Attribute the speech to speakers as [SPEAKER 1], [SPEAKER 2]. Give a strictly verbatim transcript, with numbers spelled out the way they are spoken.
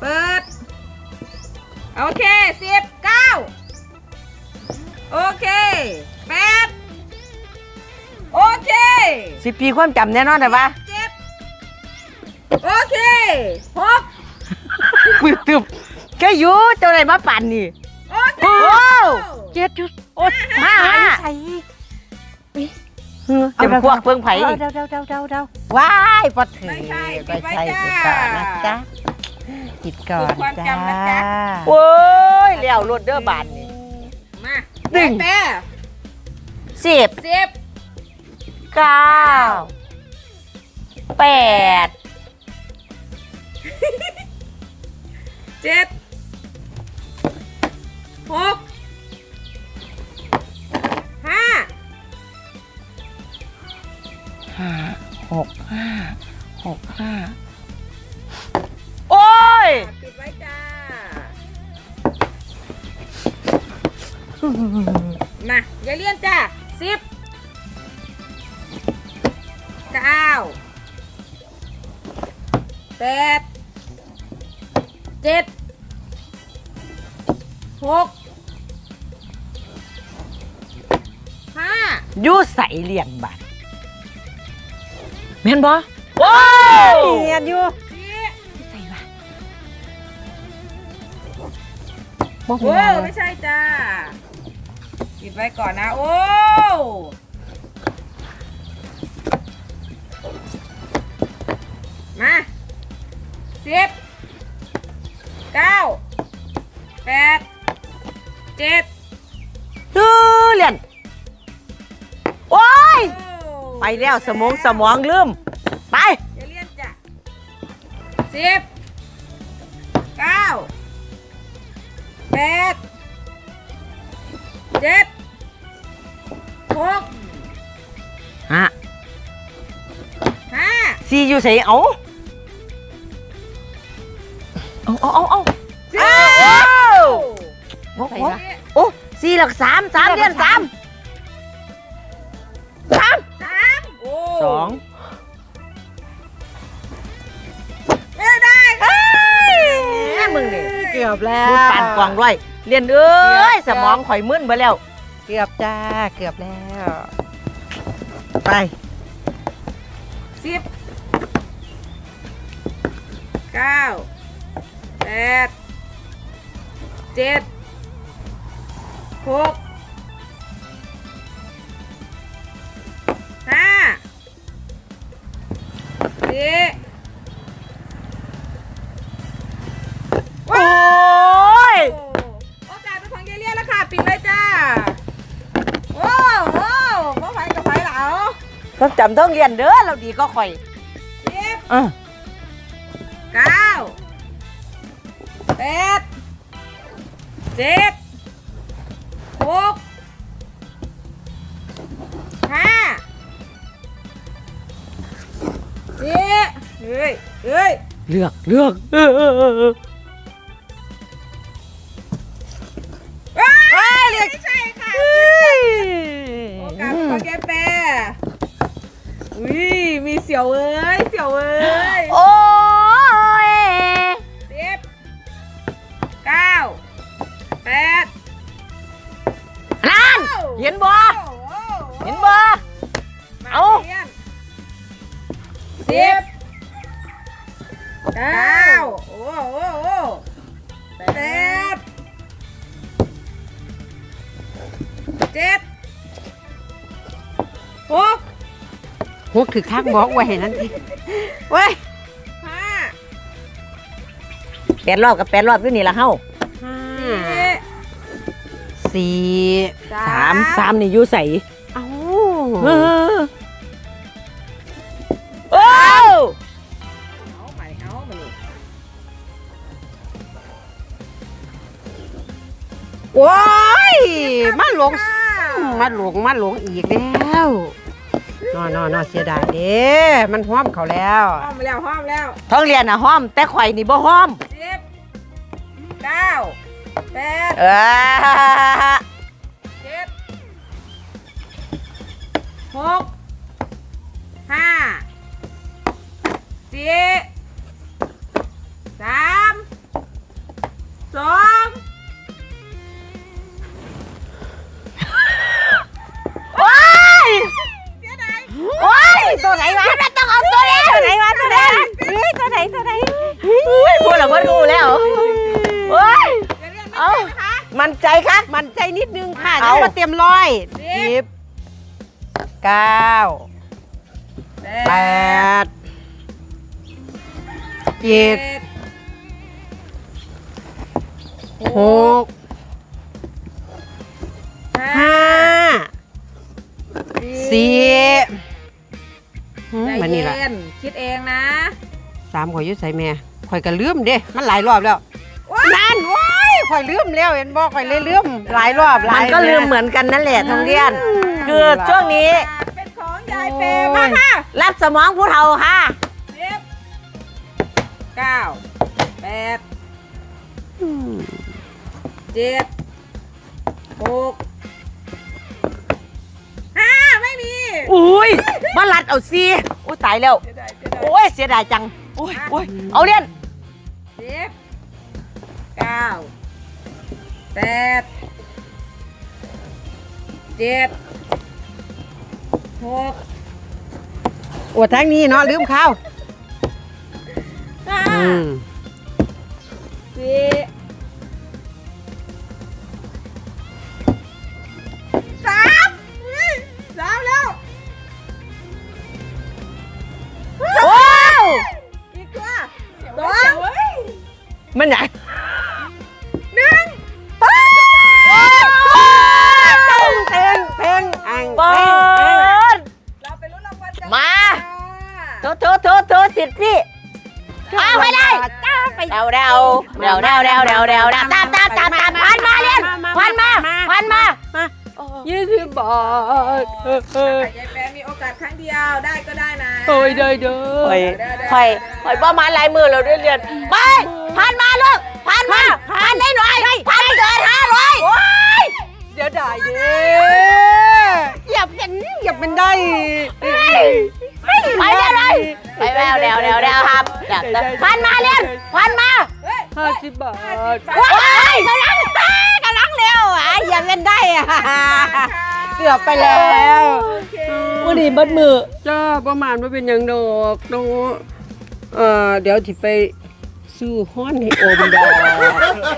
[SPEAKER 1] เปิดโอเคสิบเก้าโอเคแปดโอเค
[SPEAKER 2] สิบปีความจำแน่นอนแต่ว่า
[SPEAKER 1] เจ็ดโอเคหก
[SPEAKER 2] มือตึบแค่อยู่เจ้าไหนมาปั่นนี่
[SPEAKER 1] โอเค
[SPEAKER 2] เจ็ดจุดโอ้ห้าใส่จะพวกเพิ่งไผ่เดาเดาเดาเดาเดาว้ายปอถือ
[SPEAKER 1] ไม่ใช่
[SPEAKER 2] ไม่ใช่ติดก่อนนะจ๊ะติดก่อนจ้าโอ้ยเลี้ยวรถเด้อบานนี่
[SPEAKER 1] มาดึงแปะ
[SPEAKER 2] สิบ
[SPEAKER 1] สิบ
[SPEAKER 2] เก้าแปด
[SPEAKER 1] เจ็ดหกห้า
[SPEAKER 2] ห้าหกห้าหกห้าโอ้ย
[SPEAKER 1] ปิดไว้จ้ามาอย่าเลี่ยนจ้าสิบเก้าแปดเจ็ดหกห้า
[SPEAKER 2] ยูใส่เลี้ยงบัตรแม่นบ่โอ้ยเงียบอยู่ใส่บัตร
[SPEAKER 1] โอ้ไม่ใช่จ้าปิดไว้ก่อนนะโอ้มาสิบเก้าแปดเจ็ด
[SPEAKER 2] ดูเรียนโอ้ยไปแล้วสมองสมองลืมไป
[SPEAKER 1] อย่าเรียนจ้ะสิบเก้าแปดเจ็ดหก
[SPEAKER 2] ฮะ
[SPEAKER 1] ห้า
[SPEAKER 2] ซีอยู่ใส่เอาเอาเอาเอาเอาโอ้โอ้สี่หลักสามสามเดือนสามสาม
[SPEAKER 1] สาม
[SPEAKER 2] สอง
[SPEAKER 1] ไม่ได้
[SPEAKER 2] ค่ะมึงนี่
[SPEAKER 1] เกือบแล้ว
[SPEAKER 2] มึงปั่นกล่องด้วยเรียนเอ้ยสมองข่อยมึนไปแล้ว
[SPEAKER 1] เกือบจ้าเกือบแล้ว
[SPEAKER 2] ไป
[SPEAKER 1] สิบเก้าแปดเจ็ดหกห้าสี่
[SPEAKER 2] โอ้ย
[SPEAKER 1] โอกาสเป็นของเยเลียแล้วค่ะปิดเลยจ้าโอ้โหพ่อไผ่กับไผ่เหลา
[SPEAKER 2] ต้องจำต้องเรียนเด้อเราดีก็ข่อย
[SPEAKER 1] สิบ
[SPEAKER 2] อ่ะ
[SPEAKER 1] เก้าแปดเจ็ดหกห้าสี่เฮ้ยเฮ้ย
[SPEAKER 2] เลือกเลือกเออเออเออ
[SPEAKER 1] เฮ้ยเลือกไม่ใช่ค่ะโอกาสของแกแปรอุ้ยมีเสี่ยวเอ้ยเสี่ยวเอ้ย
[SPEAKER 2] โอ้ย
[SPEAKER 1] สิบเก้าแปด
[SPEAKER 2] นั่นเห็นบ่เห็นบ่เอา
[SPEAKER 1] สิบเก้าโอ้โหแปดเจ็ดหก
[SPEAKER 2] หกถือข้างบอกไว้นั่นทีเว้ย
[SPEAKER 1] ห้า
[SPEAKER 2] แปดรอบกับแปดรอบอยู่นี่ละเฮ้าสี่สามสามนี่อยู่ใส่เอ้าเออโอ้
[SPEAKER 1] เอาใหม่เอามานี่
[SPEAKER 2] โอ้ยมาหลงมาหลงมาหลงอีกแล้วนอนนอนนอนเสียดายเด้มันห้อมเขาแล้ว
[SPEAKER 1] ห้อมแล้วห้อมแล้ว
[SPEAKER 2] ท้องเรียนน่ะห้อมแต่ข่อยนี่บ่ห้อม
[SPEAKER 1] สิบเก้าแปด
[SPEAKER 2] เออ
[SPEAKER 1] เจ็ดหกห้าสี่สาม
[SPEAKER 3] มันใจคะ
[SPEAKER 2] มันใจนิดนึงค่ะ
[SPEAKER 3] เอา
[SPEAKER 2] จะมาเตรียมร้อยสิบเก้าแปดเจ็ดหกห้าสี่หืม
[SPEAKER 1] ใจ
[SPEAKER 2] มันนี่แหละ
[SPEAKER 1] เย็นคิดเองนะ
[SPEAKER 2] สามข่อยอยุ่ใส่แม่ข่อยก็ลืมเด้มันหลายรอบแล้วนั่นว้ายข่อยลืมแล้วเห็นบอกข่อยเลยลืมหลายรอบหลา
[SPEAKER 3] มั
[SPEAKER 2] ย
[SPEAKER 3] นก็ลืมเหมือนกันนั่นแหละทองเรียน คือช่วงนี้
[SPEAKER 1] เป็นของยายเปย์มาค่ะ
[SPEAKER 3] รับสมองผู้เฒ่าค่ะ
[SPEAKER 1] สิบเก้าแปด
[SPEAKER 2] อืม
[SPEAKER 1] เจ็ดหกห้าไม่มี
[SPEAKER 3] อุ้ยมาลัดเอาซีโอ้ยตายแล้ว
[SPEAKER 1] เสียดายเสียดาย
[SPEAKER 3] โอ้ยเสียดายจัง โอ้ยโอ้ยเอาเรียน
[SPEAKER 1] สิบเก้าแปดเจ็ดหก
[SPEAKER 2] อวดทั้งนี้เนาะลืมข้าว
[SPEAKER 1] ห้า
[SPEAKER 2] อืม
[SPEAKER 1] สี่สามเฮ้ยสามแล้ว
[SPEAKER 3] ว้าว
[SPEAKER 1] อีกตัวสอง
[SPEAKER 3] มันใหญ่
[SPEAKER 1] หนึ่ง
[SPEAKER 2] เพลงเพลงอัง
[SPEAKER 3] เปิด
[SPEAKER 1] เราไปลุ้นรางวัลกัน
[SPEAKER 3] มา
[SPEAKER 1] ค่ะ
[SPEAKER 3] โถโถโถโถสิทธิ์พี่เอาไปเลย
[SPEAKER 2] จ้าไป
[SPEAKER 3] เดาเดาเดาเดาเดาเดาเดาเดาตามตามตามตามพันมาเรียนพันมาพันมา
[SPEAKER 2] ยี่สิบบาทเออเออ
[SPEAKER 1] แต่ยายแปรมีโอกาสครั้งเดียวได้ก็ได้นะ
[SPEAKER 2] โอ้ยเด้อเด้อ
[SPEAKER 3] คอยคอยคอยประมาณลายมือเราเรียนเรียนไปพันมาลูกพันมาพันได้หน่อยพันเกินห้าร้อยโอ้ย
[SPEAKER 2] เดี๋ยวได้เด้อย่าเป็นอย่าเป็นได้
[SPEAKER 3] ไปเดี๋ยวเลยไปแล้วเดี๋ยวเดี๋ยวเดี๋ยวครับเดี๋ยวพันมาเรียนพันมา
[SPEAKER 1] เฮ้ย
[SPEAKER 2] ห้าสิบบาท
[SPEAKER 3] ว้ายกำลัง
[SPEAKER 2] กำลังเร็วอ่ะอย่าเป็นได้อ่ะเกือบไปแล้ว
[SPEAKER 1] โอเค
[SPEAKER 3] วันนี้บัดมือ
[SPEAKER 2] จ้าประมาณว่าเป็นหยังดอกน้องเอ่อเดี๋ยวที่ไปซื้อห้อนให้อมดอก